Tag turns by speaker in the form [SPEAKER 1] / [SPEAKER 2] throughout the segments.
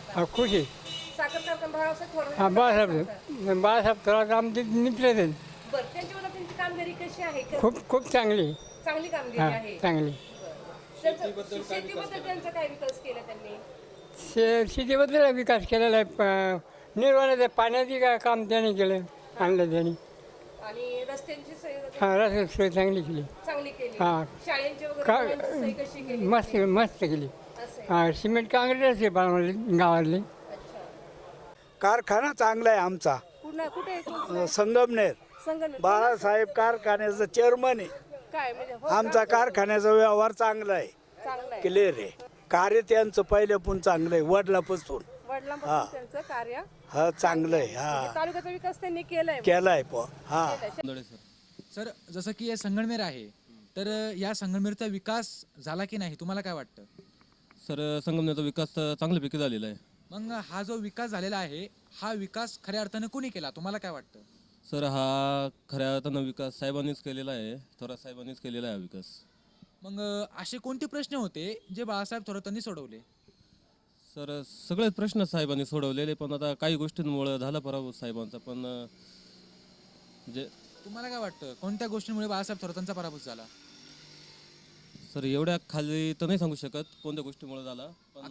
[SPEAKER 1] खुश आहे.
[SPEAKER 2] साखर कारखाना बाळासाहेब थोरात
[SPEAKER 1] हा बाळासाहेब थोरात आमचे मित्र आहेत.
[SPEAKER 2] बरं, त्यांच्याबद्दल त्यांची कामगिरी कशी आहे?
[SPEAKER 1] खूप चांगली आहे.
[SPEAKER 2] चांगली कामगिरी
[SPEAKER 1] हा
[SPEAKER 2] आहे.
[SPEAKER 1] चांगली.
[SPEAKER 2] शेतीबद्दल त्यांचा काय विकास केला त्यांनी?
[SPEAKER 1] शेतीबद्दल विकास केलेला आहे. निर्वाणाचं पाण्याची काम त्याने केलं, आणलं त्यांनी.
[SPEAKER 2] आणि रस्त्यांची सोय वगैरे
[SPEAKER 1] हा रस्ते सोय चांगली केली.
[SPEAKER 2] चांगली केली.
[SPEAKER 1] हा.
[SPEAKER 2] शाळेंची वगैरे
[SPEAKER 1] का
[SPEAKER 2] मुलांची सोय कशी केली?
[SPEAKER 1] मस्त केली.
[SPEAKER 2] असं आहे.
[SPEAKER 1] हा सिमेंट काँक्रीटच आहे गावातली.
[SPEAKER 2] अच्छा.
[SPEAKER 3] कारखाना चांगला आहे आमचा.
[SPEAKER 2] कुठे आहे तो?
[SPEAKER 3] संगमनेर
[SPEAKER 2] संगणक
[SPEAKER 3] बाळासाहेब कारखान्याचं चेअरमन आहे.
[SPEAKER 2] काय म्हणजे हो
[SPEAKER 3] आमचा कारखान्याचा व्यवहार चांगला आहे,
[SPEAKER 2] चांगलं आहे.
[SPEAKER 3] क्लिअर आहे. कार्य त्यांचं पहिल्यापासून चांगलं आहे, वडिलापासून.
[SPEAKER 2] वडिलांपासून त्यांचं कार्य
[SPEAKER 3] हा चांगलं आहे.
[SPEAKER 2] म्हणजे
[SPEAKER 3] हा
[SPEAKER 2] तालुक्याचा विकास त्यांनी केलाय.
[SPEAKER 3] केलाय हा.
[SPEAKER 4] सर, जसं की हे संगमनेर आहे, तर या संगमनेरचा विकास झाला की नाही तुम्हाला काय वाटतं?
[SPEAKER 5] सर, संगमनेरचा विकास तर चांगल्यापैकी झालेला आहे.
[SPEAKER 4] मग हा जो विकास झालेला आहे, हा विकास खऱ्या अर्थानं कोणी केला तुम्हाला काय वाटतं?
[SPEAKER 5] सर, हा खऱ्या अर्थानं विकास साहेबांनीच केलेला आहे, थोरात साहेबांनीच केलेला आहे विकास.
[SPEAKER 4] मग असे कोणते प्रश्न होते जे बाळासाहेब थोरातांनी सोडवले?
[SPEAKER 5] सर, सगळेच प्रश्न साहेबांनी सोडवलेले, पण आता काही गोष्टींमुळे झाला पराभव साहेबांचा. पण जे
[SPEAKER 4] तुम्हाला काय वाटतं कोणत्या गोष्टींमुळे बाळासाहेब थोरातांचा पराभव झाला?
[SPEAKER 5] सर, एवढ्या खाली तर नाही सांगू शकत कोणत्या गोष्टीमुळे झाला, पण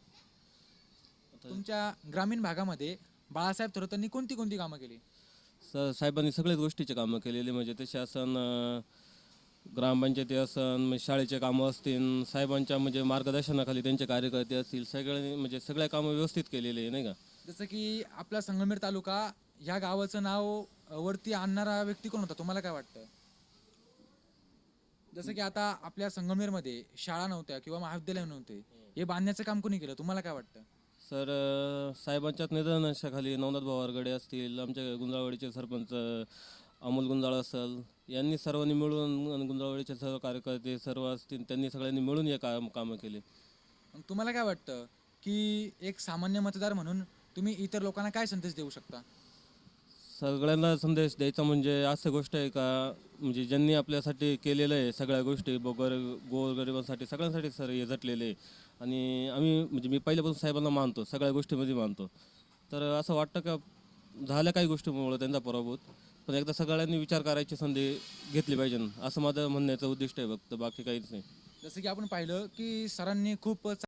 [SPEAKER 4] तुमच्या ग्रामीण भागामध्ये बाळासाहेब थोरातांनी कोणती कोणती कामं केली?
[SPEAKER 5] सर, साहेबांनी सगळ्याच गोष्टीचे कामं केलेली, म्हणजे ते शासन, ग्रामपंचायती असन, म्हणजे शाळेचे कामं असतील, साहेबांच्या म्हणजे मार्गदर्शनाखाली त्यांचे कार्यकर्ते असतील, सगळ्यांनी म्हणजे सगळ्या कामं व्यवस्थित केलेली आहे, नाही का?
[SPEAKER 4] जसं की आपला संगमनेर तालुका ह्या गावाचं नाव वरती आणणारा व्यक्ती कोण होता तुम्हाला काय वाटतं? जसं की आता आपल्या संगमनेरमध्ये शाळा नव्हत्या किंवा महाविद्यालय नव्हते, हे बांधण्याचं काम कोणी केलं तुम्हाला काय वाटतं?
[SPEAKER 5] सर, साहेबांच्याच निधनाखाली नवनाथ भाऊ आरगडे असतील, आमच्या गुंजाळवाडीचे सरपंच अमोल गुंजाळ असेल, यांनी सर्वांनी मिळून, गुंजाळवाडीचे सर्व कार्यकर्ते सर्व असतील, त्यांनी सगळ्यांनी मिळून हे कामं केले.
[SPEAKER 4] मग तुम्हाला काय वाटतं की एक सामान्य मतदार म्हणून तुम्ही इतर लोकांना काय संदेश देऊ शकता?
[SPEAKER 5] सगळ्यांना संदेश द्यायचा म्हणजे असं गोष्ट आहे का, म्हणजे ज्यांनी आपल्यासाठी केलेलं आहे सगळ्या गोष्टी, गोरगरिबांसाठी सगळ्यांसाठी सर हे झटलेले आहे. आणि आम्ही म्हणजे मी पहिल्यापासून साहेबांना मानतो, सगळ्या गोष्टीमध्ये मानतो. तर असं वाटतं का झाल्या काही गोष्टीमुळे त्यांचा पराभूत, पण एकदा सगळ्यांनी विचार करायची संधी घेतली पाहिजे, असं माझं म्हणण्याचं उद्दिष्ट आहे फक्त, बाकी काहीच नाही.
[SPEAKER 4] जसं की आपण पाहिलं की सरांनी खूप